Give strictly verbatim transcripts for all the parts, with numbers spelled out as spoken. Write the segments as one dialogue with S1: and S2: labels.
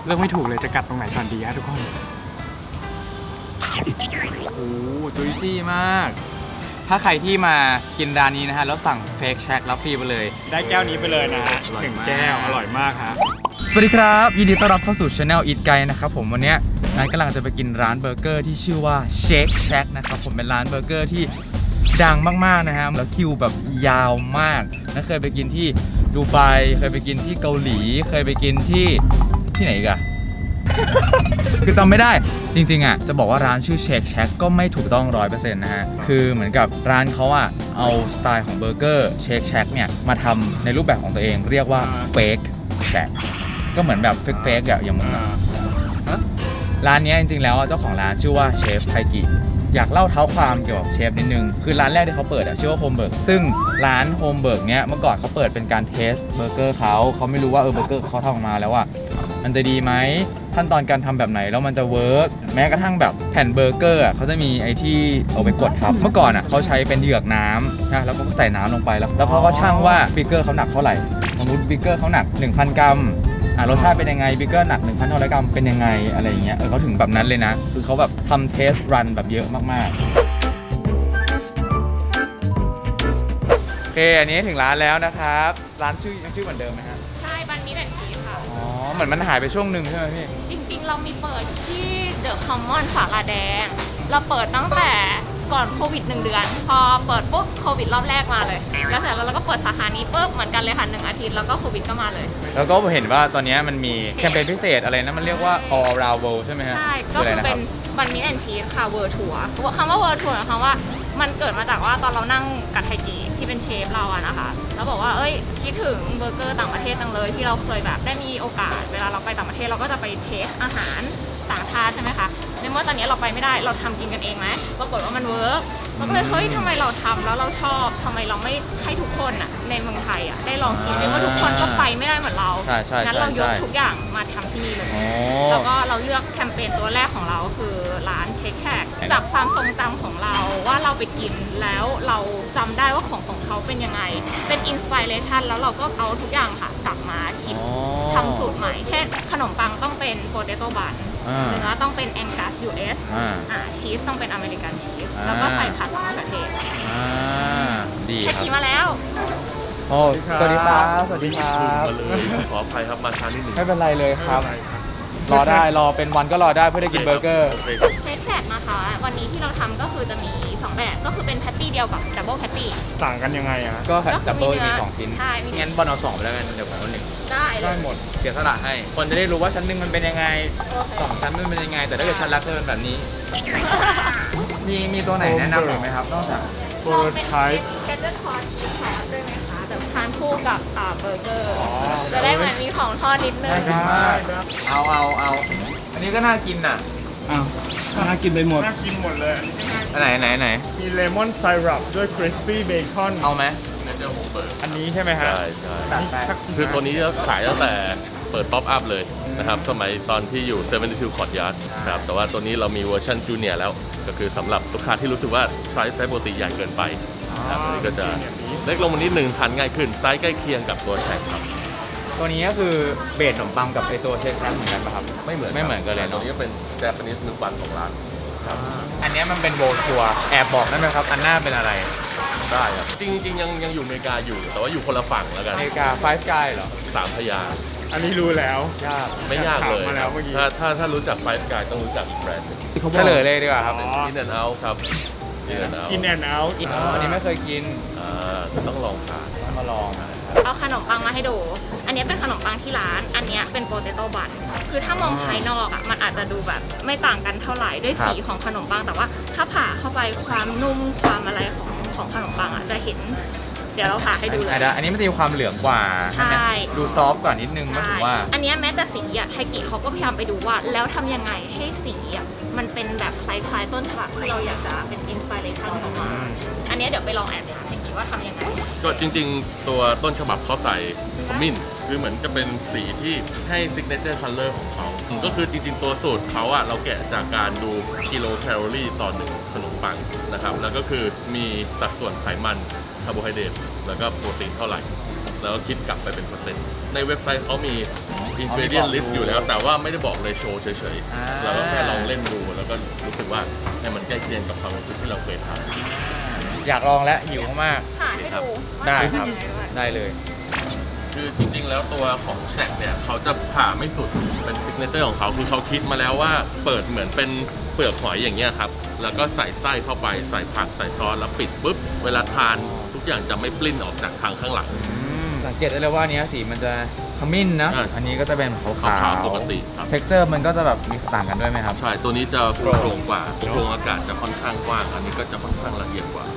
S1: เลือกไม่ถูกเลยจะกัดตรงไหนก่อนดีฮะทุกคนโอ้จุยซี่มากถ้าใครที่มากินร้านนี้นะฮะแล้วสั่งเฟกแช็ครับฟรีไปเลยได้แก้วนี้ไปเลยนะฮะหนึ่งแก้วอร่อยมากฮะสวัสดีครับยินดีต้อนรับเข้าสู่ Channel Eat Guide นะครับผมวันนี้นัทกำลังจะไปกินร้านเบอร์เกอร์ที่ชื่อว่า Shake Shack นะครับผมเป็นร้านเบอร์เกอร์ที่ดังมากๆนะฮะแล้วคิวแบบยาวมากนัทเคยไปกินที่ดูไบเคยไปกินที่เกาหลีเคยไปกินที่ที่ไหนอีกอะ คือจำไม่ได้จริงๆอ่ะจะบอกว่าร้านชื่อ Shake Shack ก็ไม่ถูกต้อง ร้อยเปอร์เซ็นต์ นะฮะคือเหมือนกับร้านเขาอ่ะเอาสไตล์ของเบอร์เกอร์ Shake Shack เนี่ยมาทำในรูปแบบของตัวเองเรียกว่า Fake Shack ก็เหมือนแบบ Fake Fake อ่ะอย่างมึงอ่ะร้านนี้จริงๆแล้วเจ้าของร้านชื่อว่าเชฟไทกิอยากเล่าเท้าความเกี่ยวกับเชฟนิดนึงคือร้านแรกที่เขาเปิดอ่ะชื่อว่าโฮมเบิร์กซึ่งร้านโฮมเบิร์กเนี้ยเมื่อก่อนเขาเปิดเป็นการเทสเบอร์เกอร์เขาเขาไม่รู้ว่าเออเบอร์เกอร์เขาทำออกมาแล้วว่ามันจะดีไหมขั้นตอนการทำแบบไหนแล้วมันจะเวิร์กแม้กระทั่งแบบแผ่นเบอร์เกอร์อ่ะเขาจะมีไอ้ที่เอาไปกดทับเมื่อก่อนอ่ะเขาใช้เป็นเหยือกน้ำนะแล้วก็ใส่น้ำลงไปแล้วแล้วเขาก็ชั่งว่าบิกเกอร์เขาหนักเท่าไหร่สมมติบิกเกอร์เขาหนัก หนึ่งพัน กรัมอ่ารสชาติเป็นยังไงบิกเกอร์หนัก หนึ่งพันห้าร้อย กรัมเป็นยังไงอะไรอย่างเงี้ยเออเขาถึงแบบนั้นเลยนะคือเขาแบบทำเทสรันแบบเยอะมากๆโอเคอันนี้ถึงร้านแล้วนะครับร้านชื่อยังชื่อเหมือนเดิมไหมฮะ
S2: ใช่บันนี้แอนชีสค่ะ
S1: อ๋อเหมือนมันหายไปช่วงหนึ่งใช่ไหมพี่
S2: จริงๆเรามีเปิดที่เดอะคอมมอนสาราแดงเราเปิดตั้งแต่ก่อนโควิดหนึ่งเดือนพอเปิดปุ๊บโควิดรอบแรกมาเลยแล้วเสร็จแล้วเราก็เปิดสาขานี้ปุ๊บเหมือนกันเลยค่ะหนึ่งอาทิตย์แล้วก็โควิดก็มาเลย
S1: แล้วก็เห็นว่าตอนนี้มันมีแคมเปญพิเศษอะไรนะมันเรียกว่า all around world ใช่ไหมฮะ
S2: ใช่ก็คือเป็นบันนี้แอนชีสค่ะเวิร์ทัวร์คำว่าเวิร์ทัวร์คำว่ามันเกิดมาจากว่าตอนเรานั่งกับไทกิที่เป็นเชฟเราอะนะคะแล้วบอกว่าเอ้ยคิดถึงเบอร์เกอร์ต่างประเทศจังเลยที่เราเคยแบบได้มีโอกาสเวลาเราไปต่างประเทศเราก็จะไปเทสอาหารต่างชาติใช่ไหมคะในเมื่อตอนนี้เราไปไม่ได้เราทำกินกันเองไหมปรากฏว่ามันเวิร์กเราก็เลยเฮ้ยทำไมเราทำแล้วเราชอบทำไมเราไม่ให้ทุกคนอ่ะในเมืองไทยอ่ะได้ลองชิมเพราะทุกคนก็ไปไม่ได้เหมือนเรางั้นเรายกทุกอย่างมาทำที่นี่เลยแล้วก็เราเลือกแคมเปญตัวแรกของเราคือร้านเช็คแชกจากความทรงจำของเราว่าเราไปกินแล้วเราจำได้ว่าของของเขาเป็นยังไงเป็นอินสปิเรชันแล้วเราก็เอาทุกอย่างค่ะกลับมาคิดทำสูตรใหม่เช่นขนมปังต้องเป็นโปเตโต้บันเนื้อต้องเป็นแองกัส ยู เอส อ่าชีสต้องเป็นอเมริกันชีสแล้วก็ใส่ผักมะเขือเทศ
S1: อ่าดีครับ
S2: ขี่มาแล้ว
S1: โอ้สวัสดีครับสวัสดีครับ
S3: มาเลยขออภัยครับมาช้านิดหนึ่ง
S1: ไม่เป็นไรเลยครับรอได้รอเป็นวันก็รอได้เพื่อได้กินเบอร์เกอร์
S2: เทคแซกนะคะวันนี้ที่เราทำก็คือจะมีสองแบบก็คือเป็นแพตตี้เดียวกับดับเบิลแพตตี้
S1: ต่างกันยังไงอะก็ดับเบิลมีสองชิ้น
S2: ใช่
S1: งั้นบอลเอาสองไปแล้วกันเดี๋ยวผมเอาหนึ่ง
S2: ได้
S1: ได้หมดเสียสละให้คนจะได้รู้ว่าชั้นหนึ่งมันเป็นยังไงสองชั้นมันเป็นยังไงแต่ถ้าเกิดชั้นรักเธอเป็นแบบนี้มีมีตัวไหนแนะนำหรือไหมครับนอกจาก
S2: เบอร์ไทป์แคทเตอร์คอร์ชีสซอสด้วยไหมคะแบบทานคู่กับอ่าเบอร์เกอร์จะได้เหมือนมีของทอดนิดนึง
S1: เอาเอาเอาอันนี้ก็น่ากินน่ะ
S4: อ้าวน่ากินไปหมด
S1: น่ากินหมดเลยอันไหนไหนไหน
S4: มีเลมอนไซรัปด้วยคริสปี้เบคอน
S1: เอาไหม
S3: เนเจอร์โฮมเบิร์ก
S1: อันนี้ใช่ไหมฮะ
S3: ใช่ใช่คือตัวนี้จะขายตั้งแต่เปิดป๊อปอัพเลยนะครับสมัยตอนที่อยู่เซเว่นทิวคอร์ดยาร์ดครับแต่ว่าตัวนี้เรามีเวอร์ชันจูเนียร์แล้วก็คือสำหรับลูกค้าที่รู้สึกว่าไซส์ไซส์ปกติใหญ่เกินไปครับตัวนี้ก็จะเล็กลงมานิดนึงทานง่ายขึ้นไซส์ใกล้เคียงกับตัวแช็คครับ
S1: ตัวนี้ก็คือเบสขนมปังกับไอตัวเชคแครเหมือนกันป่ะครับ
S3: ไม่เหมือน
S1: ไม่เหมือนกันเลย
S3: ตัวนี้เป็นแจแปนิสนึกวันของร้านครับ
S1: อันนี้มันเป็นโวลทัวร์แอบบอกได้ไหมครับอันหน้าเป็นอะไร
S3: ได้ครับจริงๆยังยังอยู่อเมริกาอยู่แต่ว่าอยู่คนละฝั่งแล้วกัน
S1: อเมริกาไฟฟ์สกายเหรอ
S3: สามพยาง
S4: อันนี้รู้แล้ว
S1: ยาก
S3: ไม่ยากเลยถ้าถ้าถ้ารู้จักไฟฟ์สกายต้องรู้จักอีกแบรนด์นึง
S1: เฉลยเลยดีกว่าครับ
S3: กินแอนด์เอาท์ครับ
S4: กินแอนด์เอาท์กินแอนด์เอาท์
S1: อันนี้ไม่เคยกิน
S3: อ่าต้องลองทาน
S1: ต้องมาลอง
S2: เอาขนมปังมาให้ดูอันนี้เป็นขนมปังที่ร้านอันนี้เป็นโปเตโต้บันคือถ้ามองภายนอกอ่ะมันอาจจะดูแบบไม่ต่างกันเท่าไหร่ด้วยสีของขนมปังแต่ว่าถ้าผ่าเข้าไปความนุ่มความอะไรของของขนมปังอ่ะจะเห็นเดี๋ยวเราผ่าให้ดูเลย
S1: อันนี้มันจะมีความเหลืองกว่า
S2: ใช่
S1: ดูซอฟต์กว่านิดนึงถึงว่า
S2: อันนี้แม้แต่สีอ่ะไทกิเขาก็พยายามไปดูว่าแล้วทำยังไงให้สีอ่ะมันเป็นแบบคล้ายๆต้นฉบับที่เราอยากจะเป็นอินสปิเรชันของมันอันนี้เดี๋ยวไปลองแอบถามไทกิว่าทำยังไง
S3: ก็จริงๆตัวต้นฉบับเขาใส่ขมิ้นคือเหมือนจะเป็นสีที่ให้ซิกเนเจอร์คัลเลอร์ของเขาก็คือจริงๆตัวสูตรเขาอ่ะเราแกะจากการดูกิโลแคลอรี่ต่อหนึ่งขนมปังนะครับแล้วก็คือมีสัดส่วนไขมันคาร์โบไฮเดรตแล้วก็โปรตีนเท่าไหร่แล้วก็คิดกลับไปเป็นเปอร์เซ็นต์ในเว็บไซต์เขามี ingredient list อยู่แล้วแต่ว่าไม่ได้บอกเลยโชว์เฉยๆเราก็แค่ลองเล่นดูแล้วก็รู้สึกว่าให้มันใกล้เคียงกับความรู้สึกที่เราเคยทาน
S1: อยากลองแล้วหิวมาก
S2: หาให้ดูว่า
S1: ได้
S2: ทำ
S1: ครับ
S2: ยังไงด้วย
S1: ได้เลย
S3: คือจริงๆ แล้วตัวของแชกเนี่ยเขาจะผ่าไม่สุดเป็นซิกเนเจอร์ของเขาคือเขาคิดมาแล้วว่าเปิดเหมือนเป็นเปลือกหอยอย่างเงี้ยครับแล้วก็ใส่ไส้เข้าไปใส่ผักใส่ซอสแล้วปิดปุ๊บเวลาทานทุกอย่างจะไม่ปลิ้นออกจากทางข้างหลัง
S1: สังเกตได้เลยว่าอันเนี้ยสีมันจะขมิ้นนะ
S3: อ่า
S1: อันนี้ก็จะเป็นขาว
S3: ขาวๆปกติครับ
S1: เท็กเจอร์มันก็จะแบบมีต่างกันด้วยไหมครับ
S3: ใช่ตัวนี้จะโปร่งกว่าโครงอากาศจะค่อนข้างกว้างอันนี้ก็จะค่อนข้างละเอียดกว่า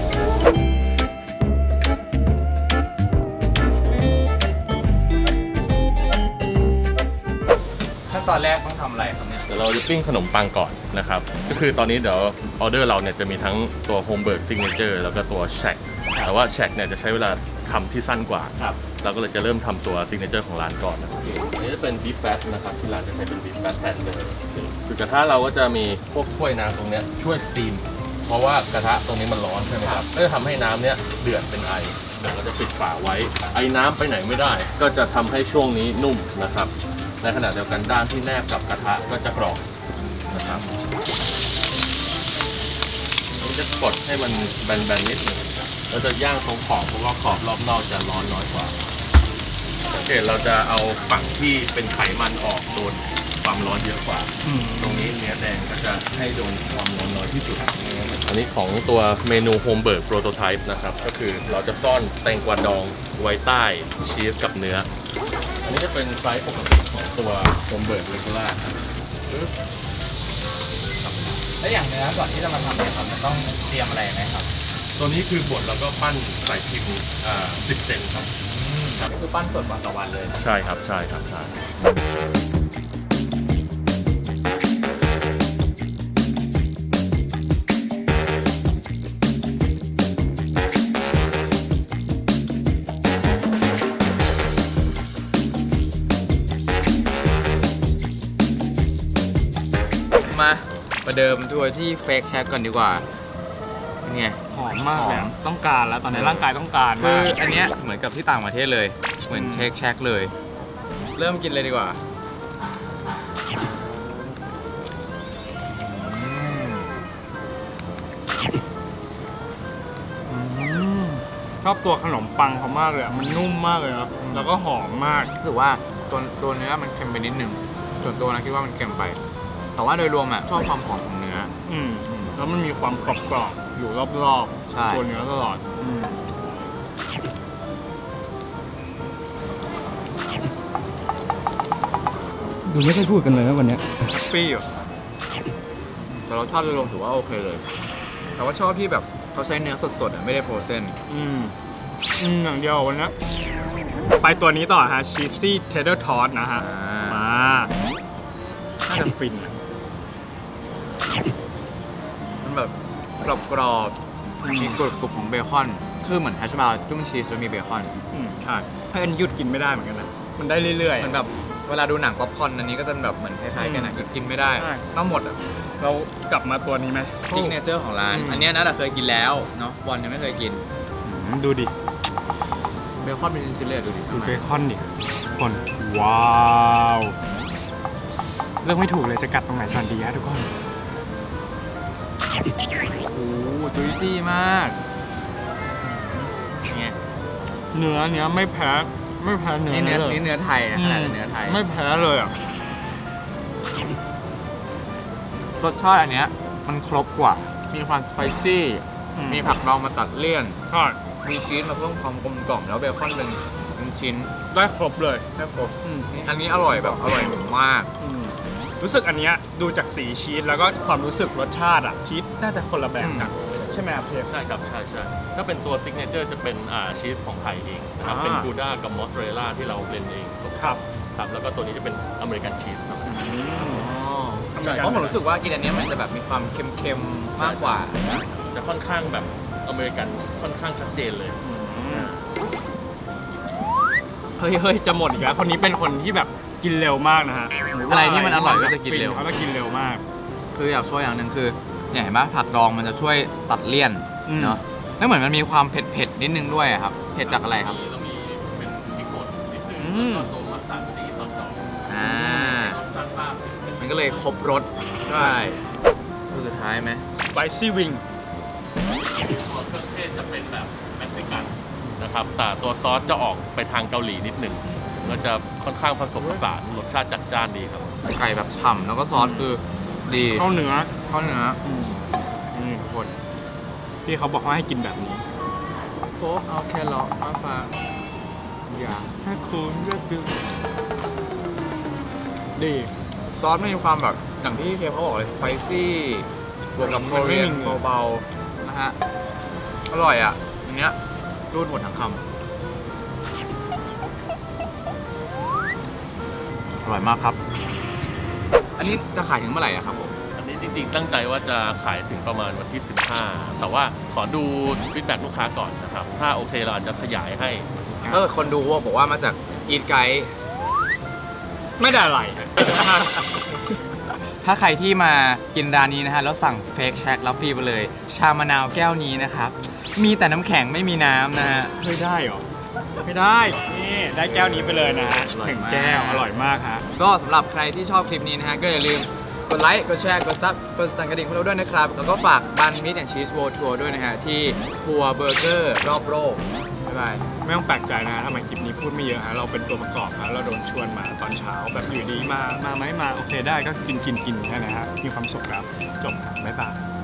S1: ขั้นตอนแรกต้องทำอะไรครับเนี่ย
S3: เดี๋ยวเราจะปิ้งขนมปังก่อนนะครับ ก็คือตอนนี้เดี๋ยวออเดอร์เราเนี่ยจะมีทั้งตัวโฮมเบิร์กซิกเนเจอร์แล้วก็ตัวแชกแต่ว่าแชกเนี่ยจะใช้เวลาทำที่สั้นกว่า
S1: ครับ
S3: เราก็เลยจะเริ่มทำตัวซิกเนเจอร์ของร้านก่อนนะครับอันนี้จะเป็นบีฟแฟตนะครับที่ร้านจะใช้เป็นบีฟแฟตแทนเลยคือกระทะเราก็จะมีพวกถ้วยน้ำตรงเนี้ยช่วยสตีมเพราะว่ากระทะตรงนี้มันร้อนใช่ไหมครับก็จะทำให้น้ำเนี้ยเดือดเป็นไอเดี๋ยวเราจะปิดฝาไว้ไอน้ำไปไหนไม่ได้ ก็จะทำให้ช่วงนี้นุ่มนะครับในขณะเดียวกันด้านที่แนบกับกระทะก็จะกรอบนะครับเราจะกดให้มันแบนๆนิดหนึงเราจะย่างตรงขอบเพราะว่าขอบรอบนอกจะร้อนน้อยกว่าสังเกตเราจะเอาฝั่งที่เป็นไขมันออกโดนความร้อนเยอะกว่า ตรงนี้เนื้อแดงก็จะให้โดนความร้อนน้อยที่สุด อันนี้ของตัวเมนูโฮมเบิร์กโปรโตไทป์นะครับ ก็คือเราจะซ่อนแตงกวาดองไว้ใต้ชีสกับเนื้อ อันนี้จะเป็นไซส์ปกติของตัวโฮมเบิร์กเรกูล่าครับ
S1: แล้วอย่างเนื้อก่อนที่จะมาทำเนี่ยครับมันต้องเตรียมอะไรไหมครับ
S3: ตัวนี้คือบดแล้วก็ปั้นใส่พิมพ์อ่าสิบเซนครับ
S1: ครับก็คือปั้นสดวันต่อวันเลย
S3: ใช่ครับ ใช่ครับ ใช่
S1: มาประเดิมทัวร์ที่เฟกแชกก่อนดีกว่าเป็นไง
S4: หอมมากเลย
S1: หอม
S4: ต้องการแล้วตอนนี้ร่างกายต้องการ
S1: คื
S4: มา
S1: อก อันเนี้ยเหมือนกับที่ต่างประเทศเลย เหมือนเชคแชกเลย เริ่มกินเลยดีกว่าอืม
S4: ชอบตัวขนมปังเขามากเลยอะมันนุ่มมากเลยเนาะแล้วก็หอมมาก
S1: รู้สึกว่าตัวตัวเนื้อมันเค็มไปนิดนึงส่วนตัวนะคิดว่ามันเค็มไป แต่ว่าโดยรวมอ่ะชอบความหอมของเนื้อ
S4: อืมแล้วมันมีความกรอบๆอยู่รอบ
S1: ใช่
S4: ๆตัวเนื้อตลอด
S1: อืมดูไม่ค่อยพูดกันเลยนะวันนี้
S4: แฮปปี้อยู่
S1: แต่รสชาติโดยรวมถือว่าโอเคเลย แต่ว่าชอบที่แบบเขาใช้เนื้อสดๆอ่ะไม่ได้โฟรเซน
S4: อืมอืมอย่างเดียววันนี้ไปตัวนี้ต่อฮะชีสซี่เทเดอร์ทอสนะฮะ
S1: อ่า
S4: มาน่าจะฟินอะ
S1: มันแบบกรอบๆมีกรุบกรุบของเบคอน คือเหมือนแฮชบราวน์จุ่มชีสแล้วมีเบคอน
S4: อืมใช่ถ้าอันนหยุดกินไม่ได้เหมือนกันนะ มันได้เรื่อย
S1: มันแบบเวลาดูหนังป๊อปคอร์นอันนี้ก็จะแบบเหมือนคล้ายๆกันนะหยุดกินไม่ได้
S4: ใช่
S1: ต้องหมดอ่ะ
S4: ๆ เรากลับมาตัวนี้ไหม
S1: ซิกเนเจอร์ของร้าน
S4: อืม
S1: อันเนี้ยนะแต่เคยกินแล้วเนาะบอลยังไม่เคยกิน
S4: อืมดูดิ
S1: เบคอนเป็นชิ้นๆเลยดูดิ
S4: ดูเบคอนดิคน ว้าว เลือกไม่ถูกเลยจะกัดตรงไหนก่อนดีฮะทุกคน
S1: โอ้โหจุยซี่มากเนี่ย
S4: เนื้อเนี้ยไม่แพ้ไม่แพ้เนื้อ
S1: นี่เนื้อ
S4: เลย
S1: นี่เนื้อไทยนะขนาดเนื้อไทย
S4: ไม่แพ้เลยอ่ะ
S1: รสชาติอันเนี้ยมันครบกว่า มีความสไปซี่
S4: อืม
S1: มีผักดองมาตัดเลี่ยน
S4: ใช่
S1: มีชีสมาเพิ่มความกลมกล่อมแล้วเบคอนเป็นเป็นชิ้น
S4: ได้ครบเลย
S1: แค่ครบ
S4: อืม
S1: อันนี้อร่อยแบบอร่อยมาก
S4: อืมรู้สึกอันเนี้ยดูจากสีชีสแล้วก็ความรู้สึกรสชาติอ่ะชีสน่าจะคนละแบบกัน ใช่ไหมครับเชฟ
S3: ใช่ครับ ใช่ใช่ถ้าเป็นตัวซิกเนเจอร์จะเป็นอ่าชีสของไทยเองนะครับ
S4: อ่า
S3: เป็นกูด้ากับมอสซาเรลล่าที่เราเบลนด์เอง
S4: ครับ
S3: ครับ แล้วก็ตัวนี้จะเป็นอเมริกันชีสครับ
S4: อืม
S1: ใช่เพราะผมรู้สึกว่ากินอันเนี้ยมันจะแบบมีความเค็มๆมากกว่า
S3: จะค่อนข้างแบบอเมริกันค่อนข้างชัดเจนเลย
S4: เฮ้ยเฮ้ยจะหมดอีกแล้ว คนนี้เป็นคนที่แบบกินเร็วมากนะฮะ
S1: อะไรที่มันอร่อยก็จะกินเร็ว
S4: เขาจะกินเร็วมาก
S1: คืออยากช่วยอย่างหนึ่งคือเนี่ยเห็นไหมผักดองมันจะช่วยตัดเลี่ยน
S4: อืม
S1: เนาะแล้วเหมือนมันมีความเผ็ดๆนิดนึงด้วยอะครับเผ็ดจากอะไรครับ
S3: แล้วมีเป็น
S4: ม
S3: แล้วก็ตัวมัสตาร์ดซีซอสดอก
S1: อ่า
S3: รสชาติบ้าง
S1: มันก็เลยครบรสใช่ตัวสุดท้ายไหม
S4: spicy wing
S3: ตัวเครื่องเทศจะเป็นแบบเม็กซิกันนะครับแต่ตัวซอสจะออกไปทางเกาหลีนิดหนึ่งแล้วจะค่อนข้างผสมผสานรสชาติจัดจ้านดีครับ
S1: ไก่แบบฉ่ำแล้วก็ซอสคือดี
S4: เข้าเนื้อ
S1: เข้าเนื้อ
S4: อืมนี่ทุกคนพี่เขาบอกว่าให้กินแบบนี้
S1: โป๊ะเอาแครอทมาฝาก
S4: อย่าให้คุณเลือกดูดี
S1: ซอสไม่มีความแบบอย่างที่เชฟเขาบอกเลยสไปซี่บวกกับโคเรียนเบาๆนะฮะอร่อยอ่ะอันเนี้ยรูดหมดทั้งคำอร่อยมากครับ อันนี้จะขายถึงเมื่อไหร่อะครับผม
S3: อันนี้จริงๆตั้งใจว่าจะขายถึงประมาณวันที่ สิบห้า แต่ว่าขอดูฟีดแบ็กลูกค้าก่อนนะครับ ถ้าโอเคเราอาจจะขยายให้
S1: เออคนดูบอกว่ามาจากอีทไกด์
S4: ไม่ได้อะไรฮะ
S1: ถ้าใครที่มากินร้านนี้นะฮะแล้วสั่งเฟกแช็กรับฟรีไปเลย ชามะนาวแก้วนี้นะครับ มีแต่น้ำแข็งไม่มีน้ำนะฮะ
S4: เฮ้ยได้เหรอ ไม่ได้ นี่ได้แก้วนี้ไปเลยนะฮะ
S1: อร่อย
S4: หนึ่ง
S1: มาก
S4: แก้ว อร่อยมากฮะ
S1: ก็สำหรับใครที่ชอบคลิปนี้นะฮะ ก็อย่าลืมกดไลค์ กดแชร์ กดซับ กดสั่นกระดิ่งของเราด้วยนะครับ แล้วก็ฝากบันมิตแอนชีสโวทัวร์ด้วยนะฮะ ที่ทัวร์เบอร์เกอร์รอบโลกบ๊ายบาย
S4: ไม่ต้องแปลกใจนะฮะทำไมคลิปนี้พูดไม่เยอะฮะ เราเป็นตัวประกอบครับเราโดนชวนมาตอนเช้า แบบอยู่ดีมา มาไหมมา โอเคได้ก็กินกินกินแค่นั้นฮะ มีความสุขแล้วจบครับบ๊ายบาย